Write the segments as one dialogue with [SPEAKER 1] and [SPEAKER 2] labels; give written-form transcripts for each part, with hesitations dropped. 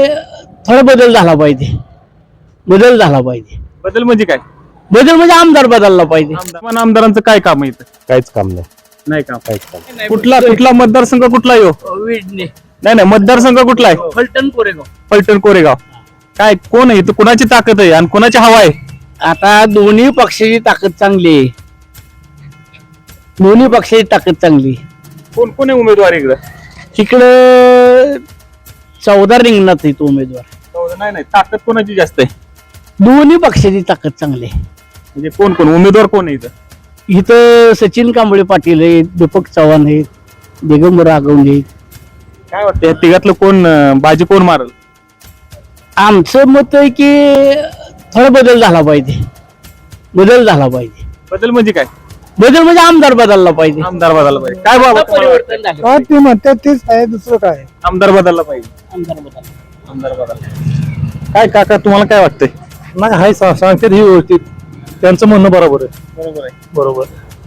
[SPEAKER 1] थोडा बदल झाला पाहिजे. बदल
[SPEAKER 2] म्हणजे काय?
[SPEAKER 1] बदल म्हणजे आमदार बदलला पाहिजे.
[SPEAKER 2] आमदारांचं काय काम आहे इथं?
[SPEAKER 3] काहीच काम नाही.
[SPEAKER 2] नाही काम.
[SPEAKER 3] काहीच काम
[SPEAKER 2] कुठला मतदारसंघ कुठला आहे हो?
[SPEAKER 1] विडणे,
[SPEAKER 2] नाही मतदारसंघ कुठला आहे?
[SPEAKER 1] फलटण, कोरेगाव.
[SPEAKER 2] फलटण कोरेगाव. काय कोण आहे इथं? कुणाची ताकद आहे आणि कुणाची हवा आहे?
[SPEAKER 1] आता दोन्ही पक्षाची ताकद चांगली आहे. दोन्ही पक्षाची ताकद चांगली.
[SPEAKER 2] कोण कोण आहे उमेदवार इकडं?
[SPEAKER 1] तिकडं 14 रिंगणात आहेत उमेदवार.
[SPEAKER 2] नाही ताकद कोणाची जास्त आहे?
[SPEAKER 1] दोन्ही पक्षाची ताकद चांगली आहे.
[SPEAKER 2] म्हणजे कोण कोण उमेदवार कोण आहे इथं?
[SPEAKER 1] इथं सचिन कांबळे पाटील आहेत, दीपक चव्हाण आहेत, दिगंबर आगवणे आहेत.
[SPEAKER 2] काय वाटतं या तिघातलं कोण बाजी कोण मारल?
[SPEAKER 1] आमचं मत आहे की थोडा बदल झाला पाहिजे.
[SPEAKER 2] बदल म्हणजे काय?
[SPEAKER 1] बदल म्हणजे आमदार बदलला पाहिजे.
[SPEAKER 2] आमदार बदलला पाहिजे. काय बाबा
[SPEAKER 1] परिवर्तन झालं.
[SPEAKER 4] ते म्हणतात तेच आहे, दुसरं काय.
[SPEAKER 2] आमदार बदलला पाहिजे. आमदार बदलला. काय काका तुम्हाला काय वाटतंय?
[SPEAKER 4] नाही हाय सांगतात ही व्यवस्थित, त्यांचं म्हणणं बरोबर आहे.
[SPEAKER 2] बरोबर आहे.
[SPEAKER 4] बरोबर.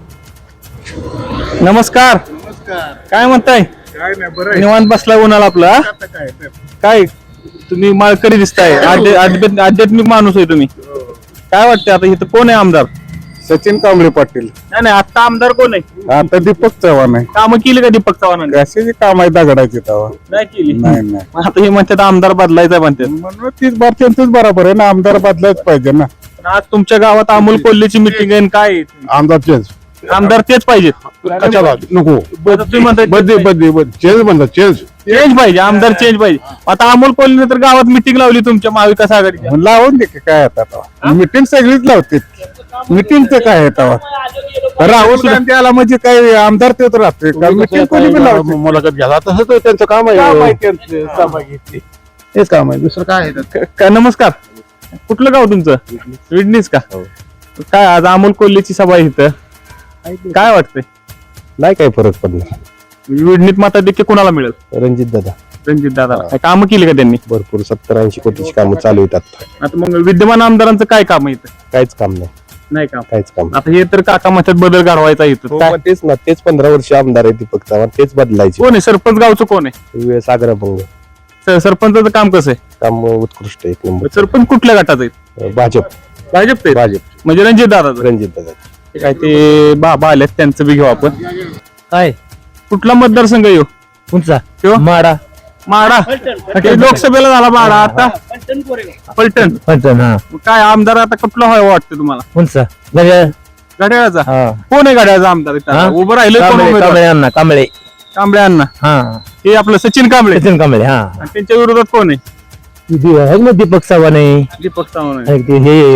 [SPEAKER 2] नमस्कार. काय म्हणताय?
[SPEAKER 4] काय नाही बरं
[SPEAKER 2] निवांत बसलाय उन्हाला आपला. काय तुम्ही माळकरी दिसताय, आध्यात्मिक माणूस आहे तुम्ही. काय वाटतंय आता इथं कोण आहे आमदार?
[SPEAKER 3] सचिन कांबळे पाटील.
[SPEAKER 2] नाही आता आमदार कोण आहे?
[SPEAKER 3] आता दीपक चव्हाण आहे.
[SPEAKER 2] कामं केली का दीपक चव्हाणांनी?
[SPEAKER 3] कशाची काम आहे दगडाची तवा?
[SPEAKER 2] नाही केली.
[SPEAKER 3] नाही
[SPEAKER 2] मग आता हे म्हणतात आमदार बदलायचा म्हणतात.
[SPEAKER 3] म्हणून तीच बार त्यांचंच बरोबर आहे ना, आमदार बदलायच पाहिजे ना.
[SPEAKER 2] पण आज तुमच्या गावात अमोल कोल्हेची मिटिंग आहे. काय आहे?
[SPEAKER 3] आमदार चेंज
[SPEAKER 2] आमदार तेच पाहिजेत.
[SPEAKER 3] कशाला नको
[SPEAKER 2] तुम्ही म्हणताय
[SPEAKER 3] बदली चेंज म्हणतात चेंज
[SPEAKER 2] चेंज पाहिजे, आमदार चेंज पाहिजे. आता अमोल कोल्हेने तर गावात मिटिंग लावली तुमच्या महाविकास आघाडीच्या.
[SPEAKER 3] लावून दे की काय आता मिटिंग सगळीच लावते. मिटिंगचं काय आहे तेव्हा? राहुल गांधी आला म्हणजे काय आमदार तेच राहते का? मिटिंग कोणी बी लावते. मुलाखत घ्यायला तसंच त्यांचं काम आहे.
[SPEAKER 2] तेच काम आहे, दुसरं काय आहे? नमस्कार. कुठलं गाव तुमचं? विडणीच का? काय आज अमोल कोल्हेची सभा आहे इथं. काय वाटतंय?
[SPEAKER 3] नाही काही फरक पडणार.
[SPEAKER 2] विडणीत मताधिक्य कुणाला मिळेल?
[SPEAKER 3] रणजित
[SPEAKER 2] दादा कामं केली का त्यांनी?
[SPEAKER 3] भरपूर 70-80 कोटीची कामं चालू आहेत.
[SPEAKER 2] आता मग विद्यमान आमदारांचं काय काम आहे इथं?
[SPEAKER 3] काहीच काम नाही.
[SPEAKER 2] नाही काम.
[SPEAKER 3] काहीच काम
[SPEAKER 2] आता हे तर काका म्हणतात बदल घडवायचा इथं. काय?
[SPEAKER 3] तेच ना, तेच 15 वर्ष आमदार आहे दीपक चव्हाण, तेच बदलायचे.
[SPEAKER 2] कोण आहे सरपंच? गावचं कोण आहे?
[SPEAKER 3] सागराभंग.
[SPEAKER 2] सरपंचाचं काम कसं आहे?
[SPEAKER 3] काम उत्कृष्ट एक नंबर.
[SPEAKER 2] सरपंच कुठल्या गटाचं आहे?
[SPEAKER 3] भाजप
[SPEAKER 2] म्हणजे रणजित दादा. काय ते बाबा आलेत, त्यांचं बी घेऊ आपण.
[SPEAKER 1] काय
[SPEAKER 2] कुठला मतदारसंघ येऊ?
[SPEAKER 1] तुमचा
[SPEAKER 2] तो?
[SPEAKER 1] माडा.
[SPEAKER 2] ते लोकसभेला झाला माडा. आता फलटण.
[SPEAKER 1] हा
[SPEAKER 2] काय आमदार आता कुठला व्हावं वाटतं तुम्हाला?
[SPEAKER 1] कोणचा?
[SPEAKER 2] घड्याळाचा. कोण आहे घड्याळाचा आमदार इथं? उभं राहिलं कोण उमेदवार? कांबळे अण्णा. हे आपलं सचिन कांबळे.
[SPEAKER 1] हा
[SPEAKER 2] आणि त्यांच्या विरोधात कोण आहे?
[SPEAKER 1] दीपक चव्हाण आहे.
[SPEAKER 2] दीपक चव्हाण आहे.
[SPEAKER 1] हे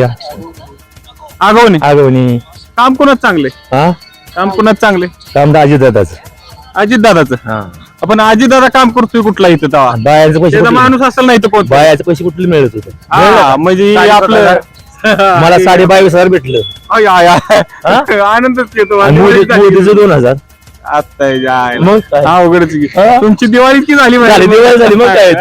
[SPEAKER 2] आगवणे. काम कोणाच चांगले? काम कोणाच चांगले?
[SPEAKER 1] काम
[SPEAKER 2] अजित दादाचं. आपण अजित दादा काम करतोय कुठला इथं तेव्हा?
[SPEAKER 1] बायाचे पैसे
[SPEAKER 2] त्याचा माणूस असेल नाही तर कोण?
[SPEAKER 1] बायाचे पैसे कुठले मिळत होते?
[SPEAKER 2] म्हणजे आपलं
[SPEAKER 1] मला 22,500 भेटलं.
[SPEAKER 2] आनंदच घेतो.
[SPEAKER 1] मोदीचं 2,000.
[SPEAKER 2] आता
[SPEAKER 1] मग काय?
[SPEAKER 2] अवघडच की. तुमची दिवाळी की झाली?
[SPEAKER 1] दिवाळी झाली मग काय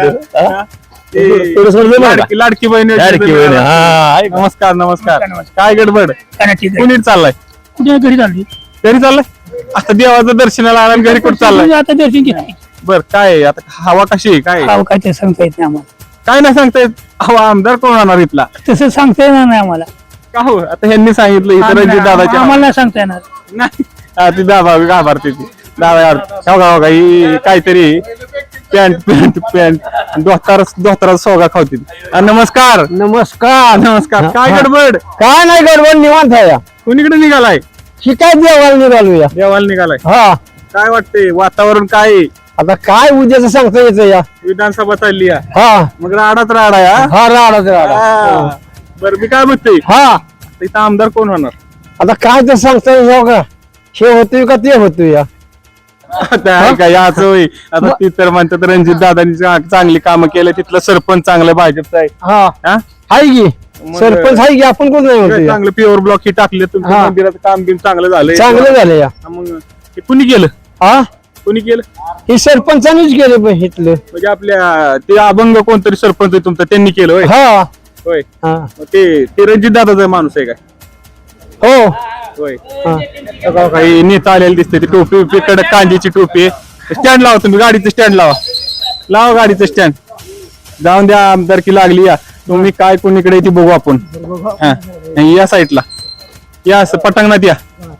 [SPEAKER 2] लाडकी बहीण. नमस्कार. काय गडबड? कुणी चाललाय?
[SPEAKER 4] कुठे घरी चालली?
[SPEAKER 2] घरी चाललाय. आता देवाचं दर्शनाला आला घरी कुठं चाललाय?
[SPEAKER 4] आता दर्शन घेतली.
[SPEAKER 2] बर काय आता हवा कशी आहे? काय
[SPEAKER 4] काय ते सांगता येत नाही आम्हाला.
[SPEAKER 2] काय नाही सांगता येत. हवा आमदार कोण होणार इथला?
[SPEAKER 4] तसं सांगता येणार नाही आम्हाला.
[SPEAKER 2] का हो? आता ह्यांनी सांगितलं इथं रणजित दादाच्या.
[SPEAKER 4] आम्हाला नाही सांगता येणार.
[SPEAKER 2] नाही ती दादा घाबरते ती. दादा ही काहीतरी पॅन्ट धोतारा सोगा खावतील.
[SPEAKER 1] नमस्कार.
[SPEAKER 2] काय गडबड?
[SPEAKER 1] काय नाही गडबड, निवांत आहे.
[SPEAKER 2] कोणीकडे निघालाय?
[SPEAKER 1] शिकायत देवाला निघालूया.
[SPEAKER 2] देवाला निघालाय.
[SPEAKER 1] हा
[SPEAKER 2] काय वाटतंय वातावरण? काय आहे?
[SPEAKER 1] आता काय उद्याच सांगता यायचं या.
[SPEAKER 2] विधानसभा चालली आहे.
[SPEAKER 1] हा
[SPEAKER 2] मग राडाच राडा आहे.
[SPEAKER 1] हा राडा.
[SPEAKER 2] बरं मी काय म्हणतोय,
[SPEAKER 1] हा
[SPEAKER 2] इथं आमदार कोण होणार?
[SPEAKER 1] आता काय ते सांगता येईल का? हे होतोय का ते होतोय या.
[SPEAKER 2] आता काय याच होय. आता ती तर म्हणतात रणजित दादांनी चांगली कामं केले. तिथलं सरपंच चांगलं भाजपचं आहे.
[SPEAKER 1] हा आहे की सरपंच आहे की, आपण कोण नाही म्हणतोय.
[SPEAKER 2] चांगलं प्युअर ब्लॉक हे टाकले. तुमच्या मंदिराचं काम बिम चांगलं झालंय.
[SPEAKER 1] चांगलं झालं या.
[SPEAKER 2] मग हे कुणी केलं? कुणी केलं?
[SPEAKER 1] हे सरपंचानेच केलं पण इथलं.
[SPEAKER 2] म्हणजे आपल्या ते अभंग कोणतरी सरपंच आहे तुमचा, त्यांनी केलं होय? होय. मग ते रणजित दादाचा माणूस आहे काय?
[SPEAKER 1] हो
[SPEAKER 2] होय. काही नेता आलेले दिसते. ती टोपी कडक कांद्याची टोपी. स्टँड लावा तुम्ही, गाडीचं स्टँड लावा गाडीचं स्टँड. जाऊन द्या, आमदारकी लागली या. तुम्ही काय कोणीकडे ती बघू आपण. हा, या साईडला या, असं पटांगणात या.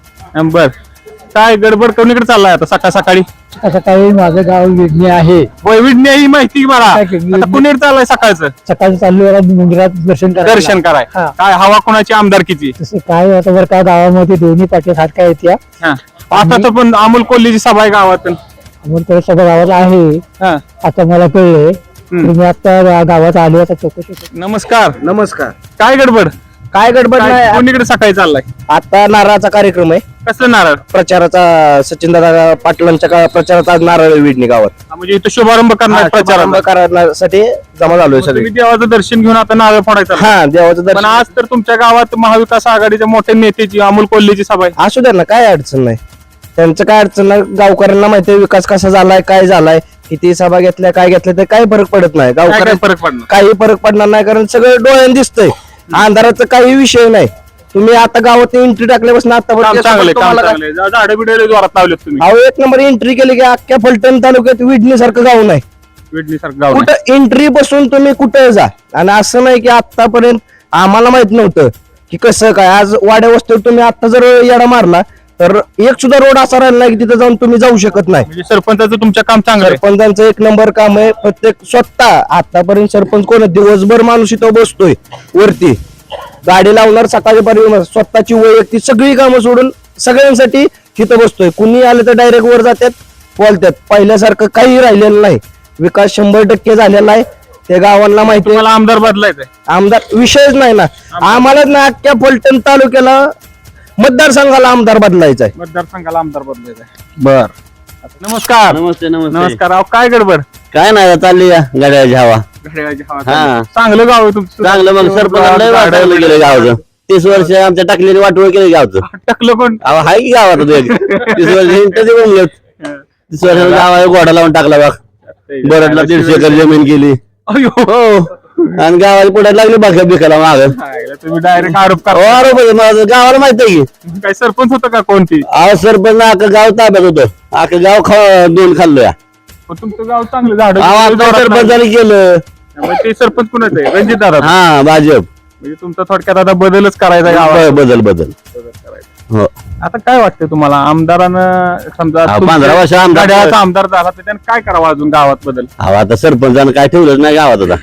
[SPEAKER 2] बर, काय गडबड कोणीकडे चाललाय आता सकाळ सकाळी?
[SPEAKER 1] सकाळी माझं गाव विडणी आहे.
[SPEAKER 2] वैविध्य ही माहिती मला. आता कुणीकडे चाललाय सकाळचं?
[SPEAKER 1] सकाळी चाललो मंदिरात
[SPEAKER 2] दर्शन कराय.
[SPEAKER 1] हा.
[SPEAKER 2] काय हवा कोणाची आमदारकीची?
[SPEAKER 1] तसं काय आता बरं का गावामध्ये दोन्ही पाठी सारख्या येत्या.
[SPEAKER 2] हा. आता तर पण अमोल कोल्हेची सभा आहे गावात.
[SPEAKER 1] अमोल सगळं गावात आहे.
[SPEAKER 2] हा.
[SPEAKER 1] आता मला कळलंय. मी आता गावात आलो, आता चौकशी करतो.
[SPEAKER 2] नमस्कार.
[SPEAKER 5] नमस्कार.
[SPEAKER 2] काय गडबड?
[SPEAKER 5] काय गडबड
[SPEAKER 2] काय
[SPEAKER 5] नाही.
[SPEAKER 2] कोणीकडे सकाळी चाललाय?
[SPEAKER 5] आता नारळाचा कार्यक्रम आहे.
[SPEAKER 2] कसलं नारळ?
[SPEAKER 5] प्रचाराचा सचिनदादा पाटलांच्या प्रचाराचा आज नारळ विडणी गावात
[SPEAKER 2] म्हणजे इथं शुभारंभ करणार
[SPEAKER 5] शुभारंभ
[SPEAKER 2] प्रचाराचा.
[SPEAKER 5] करण्यासाठी जमा झालोय सगळे.
[SPEAKER 2] तुम्ही देवाचं दर्शन घेऊन आता नारळ फोडायचा.
[SPEAKER 5] हा, देवाचं
[SPEAKER 2] पण
[SPEAKER 5] दर्शन.
[SPEAKER 2] आज तर तुमच्या गावात महाविकास आघाडीच्या मोठ्या नेत्याची अमोल कोल्हेची सभा आहे.
[SPEAKER 5] असू द्या ना, काय अडचण नाही. त्यांचं काय अडचण नाही. गावकऱ्यांना माहिती आहे विकास कसा झालाय, काय झालाय, किती सभा घेतल्या, काय घेतल्या, ते काही फरक पडत नाही.
[SPEAKER 2] काय काय
[SPEAKER 5] गावकऱ्या
[SPEAKER 2] फरक पडणार?
[SPEAKER 5] काही फरक पडणार नाही, कारण सगळं डोळ्याने दिसतंय. अंधाराचा काही विषय नाही. तुम्ही आता गावात एंट्री टाकल्यापासून
[SPEAKER 2] काम चांगले, काम
[SPEAKER 5] आता
[SPEAKER 2] चांगले. झाडं बिडे जोरात लावलेत तुम्ही.
[SPEAKER 5] अहो, एक नंबर एंट्री केली की अख्ख्या फलटण तालुक्यात विडणी सारखं गाव नाही.
[SPEAKER 2] विडणी सारखं गाव नाही.
[SPEAKER 5] कुठं एंट्री बसून तुम्ही कुठे जा. आणि असं नाही की आतापर्यंत आम्हाला माहित नव्हतं की कसं काय. आज वाड्या वस्तीवर तुम्ही आता जर येडा मारला तर एक सुद्धा रोड असा राहिला नाही की तिथे जाऊन तुम्ही जाऊ शकत नाही.
[SPEAKER 2] म्हणजे सरपंचाचं तुमच्या काम चांगलं आहे.
[SPEAKER 5] सरपंचांचं एक नंबर काम आहे. प्रत्येक स्वतः आतापर्यंत सरपंच कोण आहे? दिवसभर माणूस इथं बसतोय वरती, गाडी लावणार सकाळपर्यंत, स्वतःची वैयक्तिक सगळी कामं सोडून सगळ्यांसाठी तिथं बसतोय. कुणी आलं तर डायरेक्ट वर जातात, बोलतात. पहिल्यासारखं काही राहिलेलं नाही. विकास 100% झालेला आहे. त्या गावांना माहिती आहे.
[SPEAKER 2] तुम्हाला आमदार बदलायचंय?
[SPEAKER 5] आमदार विषयच नाही ना. आम्हालाच ना अख्ख्या फलटण तालुक्याला मतदारसंघाला आमदार बदलायचा आहे.
[SPEAKER 2] मतदारसंघाला आमदार बदलायचंय.
[SPEAKER 5] बर.
[SPEAKER 2] नमस्कार.
[SPEAKER 6] नमस्ते नमस्ते.
[SPEAKER 2] नमस्कार. अहो, काय गडबड?
[SPEAKER 6] काय नाही चालली या गाड्याची हवा.
[SPEAKER 2] घड्याळाची हवा
[SPEAKER 6] हा.
[SPEAKER 2] चालू. चांगलं गाव आहे तुमचं.
[SPEAKER 6] चांगलं मग सरपंच वाटवलं गेलं गावचं. 30 वर्ष आमच्या टाकलेली वाटवळ केलं गावचं.
[SPEAKER 2] टाकलं कोण?
[SPEAKER 6] अहो हाय की गावात आता एक 30 वर्ष हिंडतं ते बोललं. 30 वर्ष गावाला गोडा लावून टाकला बघ. बरडला 150 एकर जमीन केली.
[SPEAKER 2] अयो.
[SPEAKER 6] हो. आणि गावाला पुढे लागली बाकी बिकाला माग.
[SPEAKER 2] तुम्ही डायरेक्ट आरोप करा.
[SPEAKER 6] बरोबर आहे, माझं गावाला माहित आहे की.
[SPEAKER 2] काय सरपंच होतं का कोणती?
[SPEAKER 6] अहो सरपंच अख्खं गाव ताब्यात होतं. अख्खं गाव दोन खाल्लोया.
[SPEAKER 2] पण तुमचं गाव चांगलं झाड.
[SPEAKER 6] अहो आता सरपंचाने केलं.
[SPEAKER 2] ते सरपंच कुणाचं आहे? रणजित दादा.
[SPEAKER 6] हा भाजप.
[SPEAKER 2] म्हणजे तुमचा थोडक्यात आता बदलच करायचा गावात.
[SPEAKER 6] बदल हो.
[SPEAKER 2] आता काय वाटतं तुम्हाला? आमदारानं समजा
[SPEAKER 6] हा, 15 वर्ष आमदार-
[SPEAKER 2] घड्याळाचा आमदार झाला तर त्यानं काय करावं अजून गावात बदल?
[SPEAKER 6] अहो आता सरपंचानं काय ठेवलंच नाही गावात आता.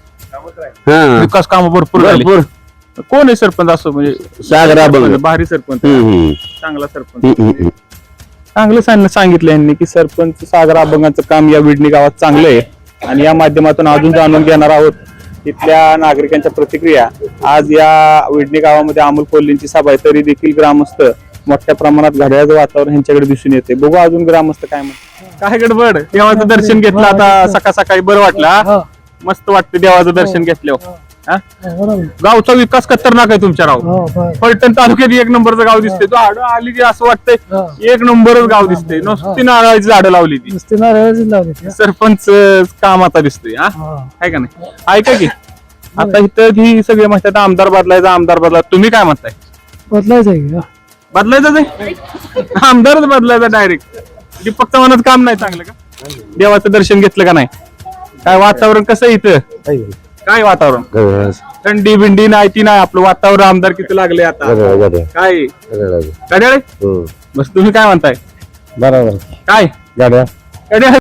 [SPEAKER 6] हा
[SPEAKER 2] विकास कामं भरपूर झाली.
[SPEAKER 6] भरपूर.
[SPEAKER 2] कोण आहे सरपंच असं म्हणजे
[SPEAKER 6] सागर अभंग.
[SPEAKER 2] भारी सरपंच,
[SPEAKER 6] हम्म,
[SPEAKER 2] चांगला सरपंच.
[SPEAKER 6] हम्म.
[SPEAKER 2] चांगलं सांगितलं यांनी की सरपंच सागर अभंगाचं काम या विडणी गावात चांगलं आहे. आणि या माध्यमातून अजून जाणून घेणार आहोत तिथल्या नागरिकांच्या प्रतिक्रिया. आज या विडणी गावामध्ये अमोल कोल्हेंची सभा आहे, तरी देखील ग्रामस्थ मोठ्या प्रमाणात घड्याळाचं वातावरण ह्यांच्याकडे दिसून येते. बघू अजून ग्रामस्थ काय म्हणतात. काय गडबड? देवाचं दर्शन घेतलं आता सकाळ सकाळी, बरं वाटलं? हा? मस्त वाटतं देवाचं दर्शन घेतल्यावर. हा? गावचा विकास खतरनाक आहे तुमच्या राव. फलटण तालुक्यात एक नंबरचं गाव दिसते. झाडं आली की असं वाटतंय एक नंबरच गाव दिसते. नुसती नारळाची झाडं लावली ती. सरपंच काम आता दिसतोय. हा आहे का नाही? ऐका की आता इथं ही सगळे म्हणतात आमदार बदलायचा, आमदार बदला. तुम्ही काय म्हणताय?
[SPEAKER 1] बदलायचं
[SPEAKER 2] बदलायचं आहे? आमदारच बदलायचा डायरेक्ट. दीपक चव्हाणाचं काम नाही चांगलं का? देवाचं दर्शन घेतलं का नाही? काय वातावरण कसं आहे इथं? काय वातावरण? थंडी बिंडी नाही ती नाही, आपलं वातावरण आमदार किती लागले आता. काय घड्याळ? बस तुम्ही काय म्हणताय?
[SPEAKER 3] बरोबर.
[SPEAKER 2] काय
[SPEAKER 3] गाड्या
[SPEAKER 2] घड्याळ